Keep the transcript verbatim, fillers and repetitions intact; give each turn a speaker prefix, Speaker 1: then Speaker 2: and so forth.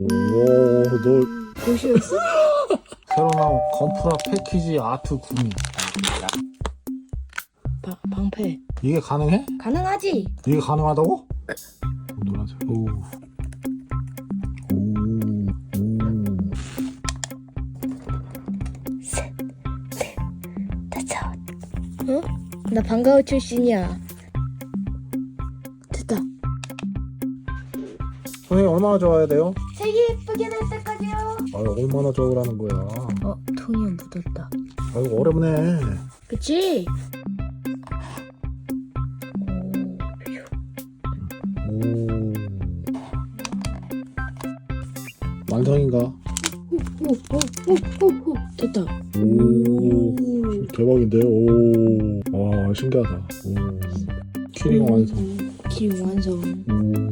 Speaker 1: 오, 너
Speaker 2: 보시였어?
Speaker 1: 새로 나온 건프라 패키지 아트 구미.
Speaker 2: 방, 방패
Speaker 1: 이게 가능해?
Speaker 2: 가능하지?
Speaker 1: 이게 가능하다고? 노란색. 오. 오. 오.
Speaker 2: 다쳐. 어? 나 방과후 출신이야. 됐다.
Speaker 1: 선생님 얼마나 좋아야 돼요?
Speaker 2: 색이 예쁘게 될 때까지요.
Speaker 1: 아, 얼마나 좋으라는 거야.
Speaker 2: 어, 통이 묻었다.
Speaker 1: 아이고 어렵네.
Speaker 2: 그치?
Speaker 1: 오. 완성인가?
Speaker 2: 오오오오오오 됐다.
Speaker 1: 오. 대박인데? 오. 와, 신기하다. 오. 키링 완성.
Speaker 2: 키 완성.
Speaker 1: 오.